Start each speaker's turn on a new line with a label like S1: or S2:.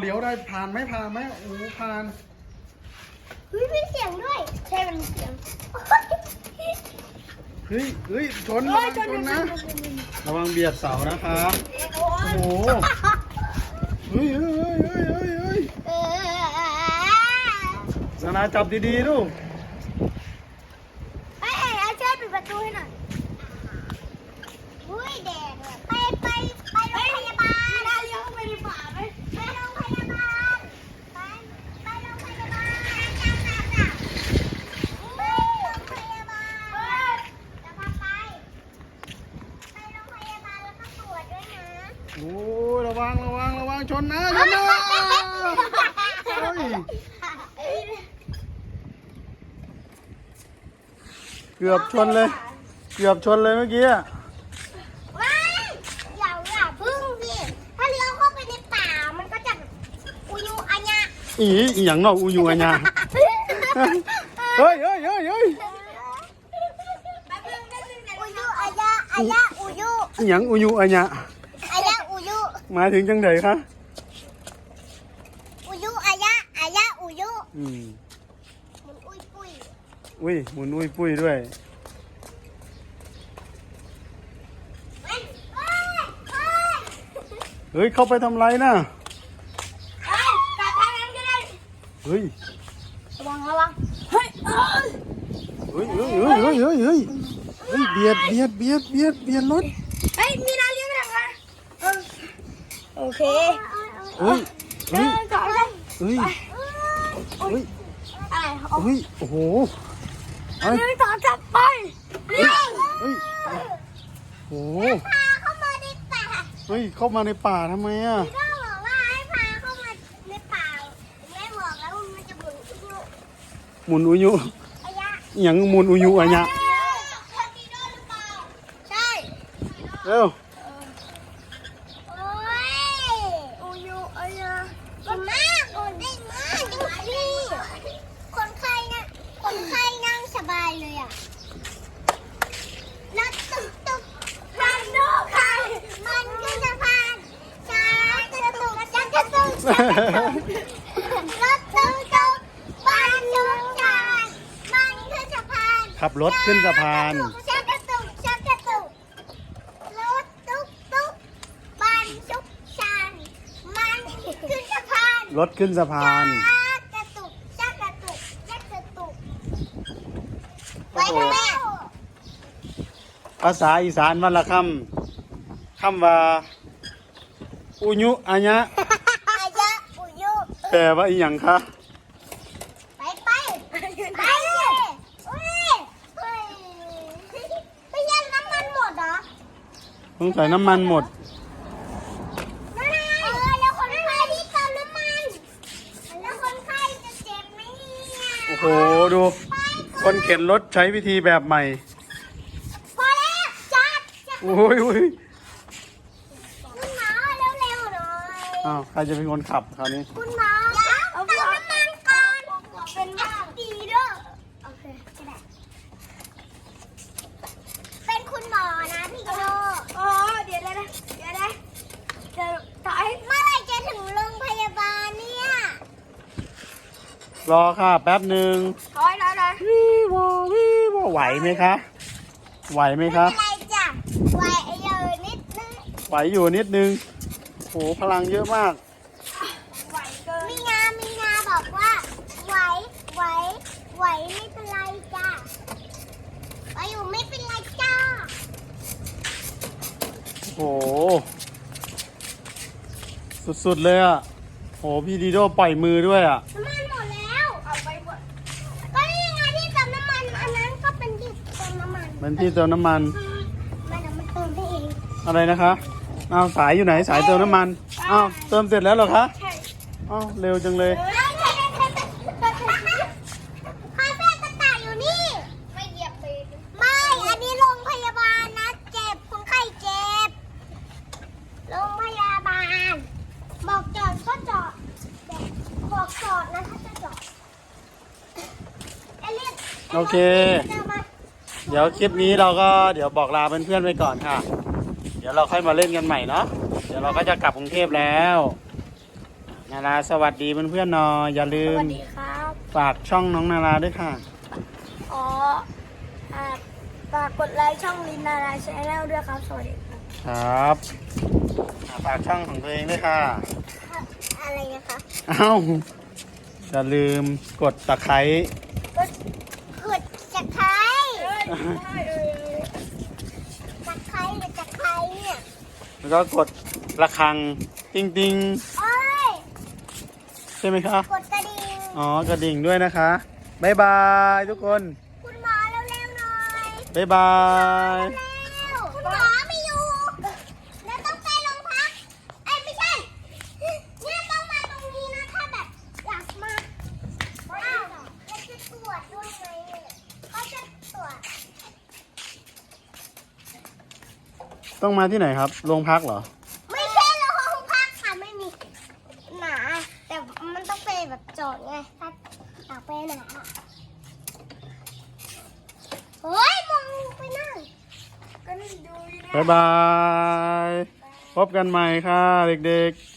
S1: ลี้ยวได้ผ่านไหมโอ้ผ่าน
S2: เฮ้ยมีเสียงด้วยใช่มันมีเสียง
S1: เฮ้ยชนระวังชนนะระวังเบียดเสานะครับโอ้โหเฮ้ยนานาจับดีๆลูก
S2: เอาช่วยปิดประตูให้หน่อยอุ้ยแดดไปโรงพยาบาลเราเลี้ยวเข้าไปในป่าไหมไปโรงพยาบาลไปโรงพยาบาลไปโรงพยาบาลจะพาไปโรงพยาบาลแล้วก็ตรวจด้วยนะ
S1: โอ้ระวังชนนะเฮ้ยเกือบชนเลยเมื่อกี้อะ
S2: ว้ายอย่าพึ่งสิถ้าเลี้ยวเข้าไปในป่ามันก็จะอุยุอัญญะ
S1: อีอย่างนอกอุยูอัญญาเฮ้ย
S2: อุยุอัญญะอุยุ
S1: อย่างอุยูอัญญา
S2: อุยุ
S1: หมายถึงจังไดคะ
S2: อุยุอัญญะอุยุหมุนอุ้ยปุ้ย
S1: หมุนอุ้ยปุ้ยด้วยเฮ้ยเข้าไปทำไรน่ะ
S2: กลับทางนั้นก็ได้
S1: เฮ้ย
S2: ระวังเฮ้ย
S1: เบียดรถ
S2: เฮ้ยมีนาเลี้ยงไปทางนั้นโอเค
S1: เฮ้ย
S2: อะไร
S1: โอ้โห
S2: เลี้ยงต่อจับไปเลี้ยง
S1: โอ้
S2: พาเข้ามาในป่า
S1: เข้ามาในป่าทำไมอ่ะ
S2: พี่ก็บอกว่าให้พาเข้ามาในป่าแม่บอกแล้วมันจะหมุนอุยุ
S1: อย่างหมุนอุยุอัญญา
S2: ใช่
S1: เร็ว
S2: โอ้ยอุยุอัญญาดีมากได้มากดูสิคนไข้นั่งสบายเลยอ่ะรถตุ๊กพันดูใครมันขึ้นสะพานช้ากระตุกรถตุ๊กบ้านชุกชานมันขึ้นสะพาน
S1: ขับรถขึ้นสะพาน
S2: ชักกระตุกรถตุ๊กบ้านชุกชานมันขึ้นสะพาน
S1: รถขึ้นสะพาน
S2: ชักกระตุกไปทำไม
S1: ภาษาอีสานวันละคำว่าอุยุอัญญา
S2: อุยุ
S1: แปลว่าอีหยังคะ
S2: ไปไปยันน้ำมันหมดเหรอ
S1: สงสัยน้ำมันหมด
S2: แล้วคนไข้ที่เติมน้ำมันแล้วคนไข้จะเจ็บไหมเนี่ย
S1: โอ้โหดูคนเข็นรถใช้วิธีแบบใหม่
S2: พอแล้วจัด
S1: โอ้ย
S2: คุณหมอเร็วๆหน่อย
S1: ใครจะเป็นคนขับคราวนี้
S2: คุณหมอเอาน้ำมันก่อนเป็นว่าดีด้วยโอเคก็ได้เป็นคุณหมอนะพี่โยเดี๋ยวจะต่อยเมื่อไรจะถึงโรงพยาบาลเนี่ย
S1: รอค่ะแป๊บหนึ่ง
S2: ถอย
S1: วิวไหวไหมคะ
S2: ไม่เป็นไรจ้ะไหวอยู่นิดนึง
S1: โหพลังเยอะมาก
S2: มีนาบอกว่าไหวไม่เป็นไรจ้ะไหวอยู่ไม่เป็นไรจ้า
S1: โหสุดๆเลยอ่ะโหพี่ดีโดปล่อยมือด้วยอ่ะ
S2: น้ำมันหมดแล้วเอาไปหมดก็นี่ไงที่เติมน้ำมันอันนั้นก็เป็นที่เติมน้ำมัน
S1: เป็นที่เติมน้ำมัน
S2: มันเติมได้เอง
S1: อะไรนะคะสายอยู่ไหนสายเติมน้ำมันเติมเสร็จแล้วเหรอคะ
S2: ใช่
S1: เร็วจังเลย
S2: คาเฟ่กระต่ายอยู่นี่ไม่เหยียบเลยไม่อันนี้โรงพยาบาลนะเจ็บคนไข้เจ็บโรงพยาบาลบอกจอดก็จอดบอกจอดนะถ้าจะจอด
S1: โอเคเดี๋ยวคลิปนี้เราก็เดี๋ยวบอกลาเพื่อนๆไปก่อนค่ะเดี๋ยวเราค่อยมาเล่นกันใหม่เนาะเดี๋ยวเราก็จะกลับกรุงเทพแล้วนาราสวัสดีเพื่อนๆหน่อยอย่าลื
S2: ส
S1: ม
S2: วัสดีครับ
S1: ฝากช่องน้องนาราด้วยค่ะ
S2: อ๋อฝากกดไลค์ช่องลินนาราชแนลด้วยครับสวัสดีครับ
S1: ครับฝากช่องของตัวเองด้วยค่ะ
S2: อะไรนะคะ
S1: เอ้าอย่าลืมกดตะไคร้
S2: กดจะใครจะใครหรือจะใครเนี่ย
S1: แล้วก็กดระฆังติ้งติ้ง
S2: โอ้ย
S1: ใช่ไหมคะ
S2: กดกระดิ่ง
S1: อ๋อกระดิ่งด้วยนะคะบ๊ายบายทุกคน
S2: คุณหมอเร็วๆหน่อย
S1: บ๊ายบาย
S2: เร็วคุณหมอไม่อยู่แล้วต้องไปโรงพักเอ้ยไม่ใช่เนี่ยต้องมาตรงนี้นะถ้าแบบอยากมาอ้าวแล้วจะตรวจด้วยไหมเนี่ยเขาจะตรวจ
S1: ต้องมาที่ไหนครับโรงพักเหรอ
S2: ไม่ใช่โรงพักค่ะไม่มีหนาแต่มันต้องไปแบบจอดไงถ้าอยากไปหนาเฮ้ยมองไปนั่งก็นี่ดูอยู่นะ
S1: บ๊ายบาย พบกันใหม่ค่ะเด็กๆ